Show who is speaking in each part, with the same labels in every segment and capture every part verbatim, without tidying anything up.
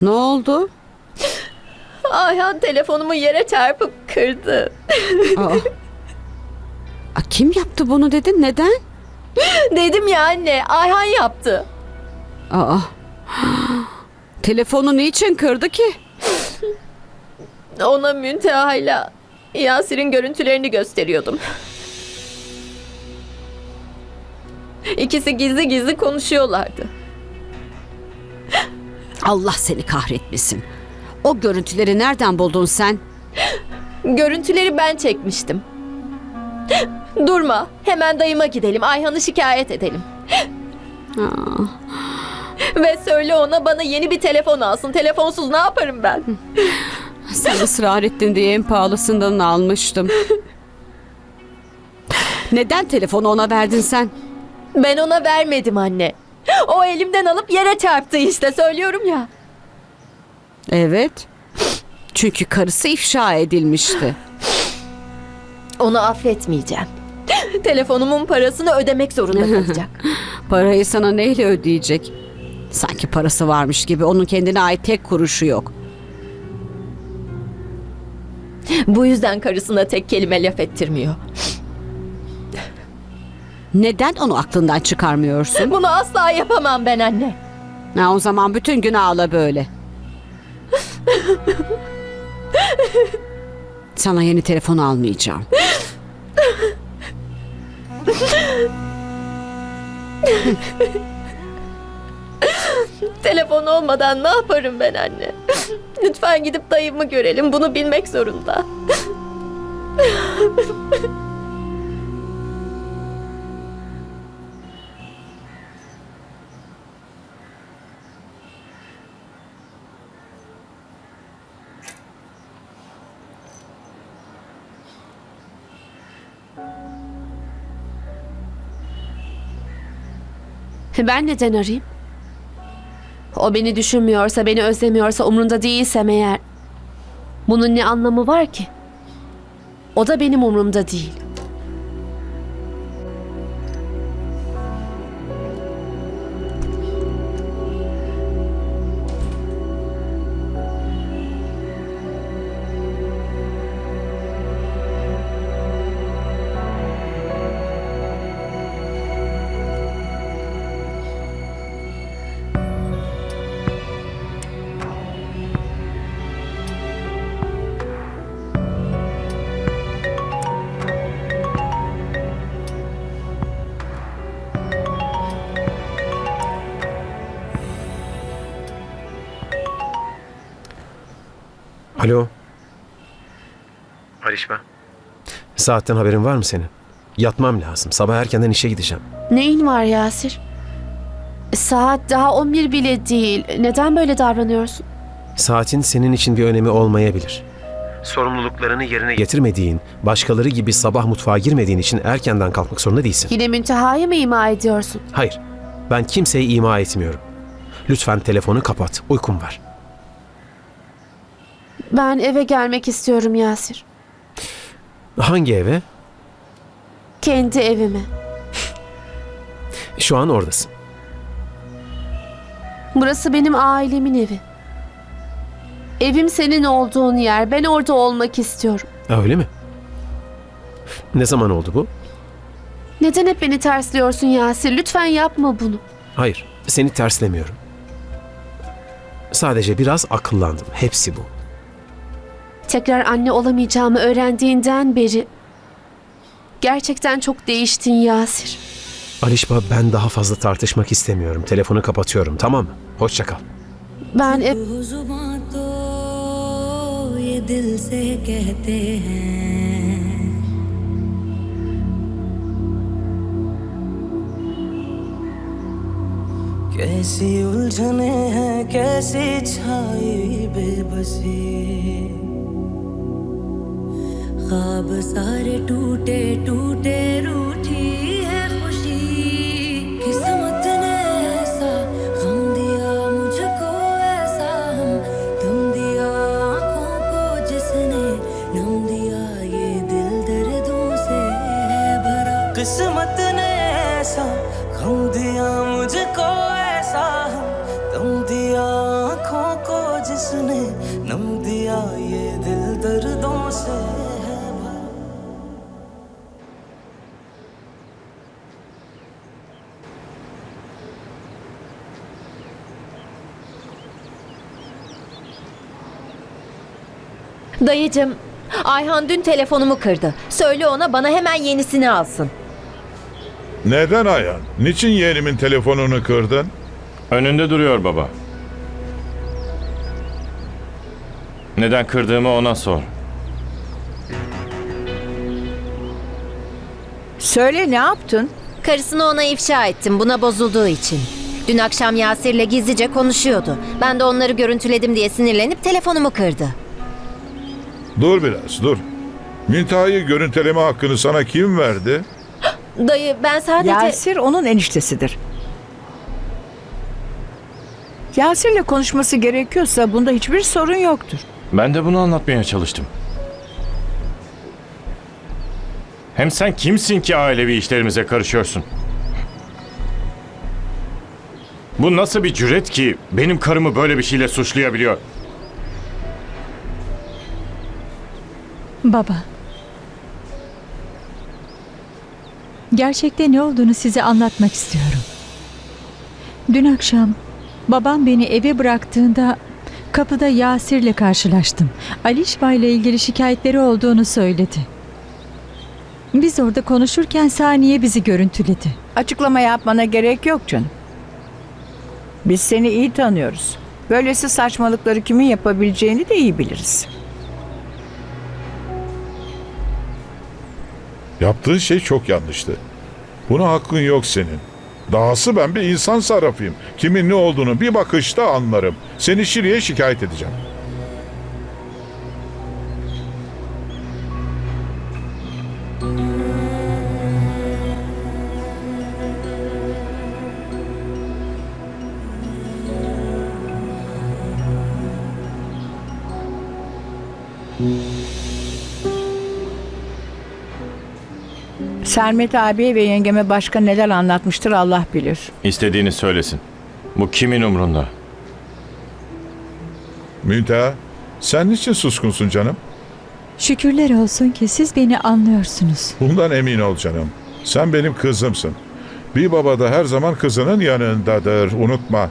Speaker 1: Ne oldu?
Speaker 2: Ayhan telefonumu yere çarpıp kırdı.
Speaker 1: Aa. Aa, kim yaptı bunu dedin? Neden?
Speaker 2: Dedim ya anne, Ayhan yaptı.
Speaker 1: Aa. Telefonu niçin kırdı ki?
Speaker 2: Ona Münteha'yla Yasir'in görüntülerini gösteriyordum. İkisi gizli gizli konuşuyorlardı.
Speaker 1: Allah seni kahretmesin. O görüntüleri nereden buldun sen?
Speaker 2: Görüntüleri ben çekmiştim. Durma, hemen dayıma gidelim, Ayhan'ı şikayet edelim.
Speaker 1: Aa.
Speaker 2: Ve söyle ona bana yeni bir telefon alsın. Telefonsuz ne yaparım ben?
Speaker 1: Sen ısrar ettin diye en pahalısından almıştım. Neden telefonu ona verdin sen?
Speaker 2: Ben ona vermedim anne. O elimden alıp yere çarptı işte, söylüyorum ya.
Speaker 1: Evet. Çünkü karısı ifşa edilmişti.
Speaker 2: Onu affetmeyeceğim. Telefonumun parasını ödemek zorunda kalacak.
Speaker 1: Parayı sana neyle ödeyecek? Sanki parası varmış gibi, onun kendine ait tek kuruşu yok.
Speaker 2: Bu yüzden karısına tek kelime laf ettirmiyor.
Speaker 1: Neden onu aklından çıkarmıyorsun?
Speaker 2: Bunu asla yapamam ben anne.
Speaker 1: Ha, o zaman bütün gün ağla böyle. Sana yeni telefon almayacağım.
Speaker 2: Telefon olmadan ne yaparım ben anne? Lütfen gidip dayımı görelim. Bunu bilmek zorunda.
Speaker 3: Ben neden arayayım? O beni düşünmüyorsa, beni özlemiyorsa, umrunda değilsem eğer, bunun ne anlamı var ki? O da benim umrumda değil.
Speaker 4: Alo. Aliş ben. Saatten haberin var mı senin? Yatmam lazım. Sabah erkenden işe gideceğim.
Speaker 3: Neyin var Yasir? Saat daha on bir bile değil. Neden böyle davranıyorsun?
Speaker 4: Saatin senin için bir önemi olmayabilir. Sorumluluklarını yerine getirmediğin, başkaları gibi sabah mutfağa girmediğin için erkenden kalkmak zorunda değilsin.
Speaker 3: Yine Münteha'yı mı ima ediyorsun?
Speaker 4: Hayır. Ben kimseyi ima etmiyorum. Lütfen telefonu kapat. Uykum var.
Speaker 3: Ben eve gelmek istiyorum Yasir.
Speaker 4: Hangi eve?
Speaker 3: Kendi evime.
Speaker 4: Şu an oradasın.
Speaker 3: Burası benim ailemin evi. Evim senin olduğun yer. Ben orada olmak istiyorum.
Speaker 4: Öyle mi? Ne zaman oldu bu?
Speaker 3: Neden hep beni tersliyorsun Yasir? Lütfen yapma bunu.
Speaker 4: Hayır. Seni terslemiyorum. Sadece biraz akıllandım. Hepsi bu.
Speaker 3: Tekrar anne olamayacağımı öğrendiğinden beri gerçekten çok değiştin Yasir.
Speaker 4: Alişba, ben daha fazla tartışmak istemiyorum. Telefonu kapatıyorum, tamam mı? Hoşça kal.
Speaker 3: Ben ev...
Speaker 5: कैसी उलझने हैं कैसी छाई बेबसी ख्वाब सारे टूटे टूटे रूठी है खुशी किस्मत ने ऐसा गम दिया मुझको ऐसा हम तुम दिया आँखों को जिसने नम दिया ये दिल दर्दों से है भरा किस्मत ने ऐसा गम दिया मुझको ऐसा हम तुम दिया आँखों को
Speaker 6: जिसने नम दिया ये दिल दर्दों से है भरा।
Speaker 2: Dayıcım, Ayhan dün telefonumu kırdı. Söyle ona bana hemen yenisini alsın.
Speaker 7: Neden Ayhan? Niçin yeğenimin telefonunu kırdın?
Speaker 8: Önünde duruyor baba. Neden kırdığımı ona sor.
Speaker 9: Söyle, ne yaptın?
Speaker 2: Karısını ona ifşa ettim buna bozulduğu için. Dün akşam Yasir'le gizlice konuşuyordu. Ben de onları görüntüledim diye sinirlenip telefonumu kırdı.
Speaker 7: Dur biraz, dur. Münteha'yı görüntüleme hakkını sana kim verdi?
Speaker 2: Dayı ben sadece...
Speaker 9: Yasir onun eniştesidir. Yasir'le konuşması gerekiyorsa bunda hiçbir sorun yoktur.
Speaker 8: Ben de bunu anlatmaya çalıştım. Hem sen kimsin ki ailevi işlerimize karışıyorsun? Bu nasıl bir cüret ki benim karımı böyle bir şeyle suçlayabiliyor?
Speaker 10: Baba. Gerçekte ne olduğunu size anlatmak istiyorum. Dün akşam babam beni eve bıraktığında kapıda Yasir'le karşılaştım. Alişba ile ilgili şikayetleri olduğunu söyledi. Biz orada konuşurken Saniye bizi görüntüledi.
Speaker 9: Açıklama yapmana gerek yok canım. Biz seni iyi tanıyoruz. Böylesi saçmalıkları kimin yapabileceğini de iyi biliriz.
Speaker 7: Yaptığın şey çok yanlıştı. Buna hakkın yok senin. Dahası ben bir insan sarrafıyım. Kimin ne olduğunu bir bakışta anlarım. Seni Şiri'ye şikayet edeceğim.
Speaker 9: Sermet abiye ve yengeme başka neler anlatmıştır Allah bilir.
Speaker 8: İstediğini söylesin. Bu kimin umrunda?
Speaker 7: Münteha, sen niçin suskunsun canım?
Speaker 10: Şükürler olsun ki siz beni anlıyorsunuz.
Speaker 7: Bundan emin ol canım. Sen benim kızımsın. Bir baba da her zaman kızının yanındadır. Unutma.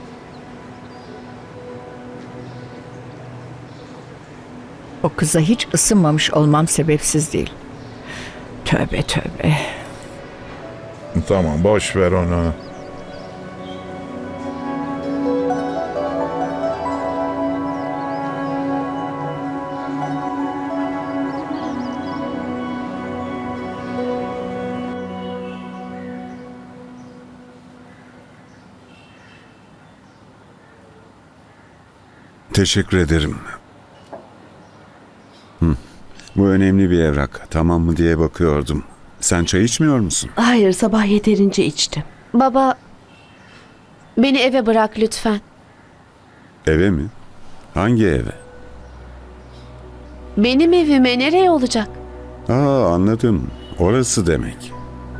Speaker 9: O kıza hiç ısınmamış olmam sebepsiz değil. Tövbe tövbe.
Speaker 7: Tamam, boş ver onu.
Speaker 11: Teşekkür ederim. Hı. Bu önemli bir evrak. Tamam mı diye bakıyordum. Sen çay içmiyor musun?
Speaker 3: Hayır, sabah yeterince içtim. Baba, beni eve bırak lütfen.
Speaker 11: Eve mi? Hangi eve?
Speaker 3: Benim evime nereye olacak?
Speaker 11: Aa, anladım. Orası demek.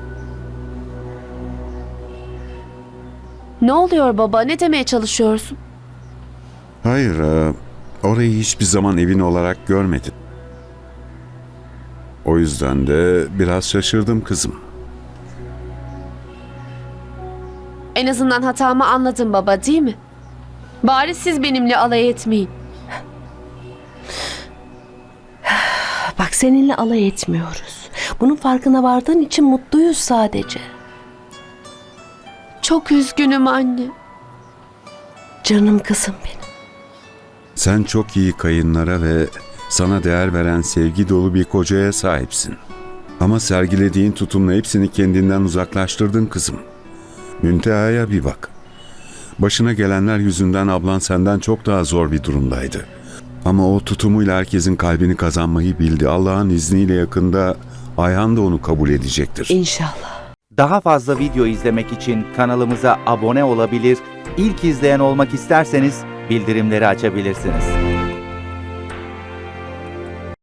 Speaker 3: Ne oluyor baba? Ne demeye çalışıyorsun?
Speaker 11: Hayır, e, orayı hiçbir zaman evin olarak görmedim. O yüzden de biraz şaşırdım kızım.
Speaker 3: En azından hatamı anladın baba, değil mi? Bari siz benimle alay etmeyin.
Speaker 12: Bak, seninle alay etmiyoruz. Bunun farkına vardığın için mutluyuz sadece.
Speaker 3: Çok üzgünüm anne.
Speaker 12: Canım kızım benim.
Speaker 11: Sen çok iyi kayınlara ve sana değer veren sevgi dolu bir kocaya sahipsin. Ama sergilediğin tutumla hepsini kendinden uzaklaştırdın kızım. Münteha'ya bir bak. Başına gelenler yüzünden ablan senden çok daha zor bir durumdaydı. Ama o tutumuyla herkesin kalbini kazanmayı bildi. Allah'ın izniyle yakında Ayhan da onu kabul edecektir.
Speaker 12: İnşallah.
Speaker 13: Daha fazla video izlemek için kanalımıza abone olabilir, ilk izleyen olmak isterseniz bildirimleri açabilirsiniz.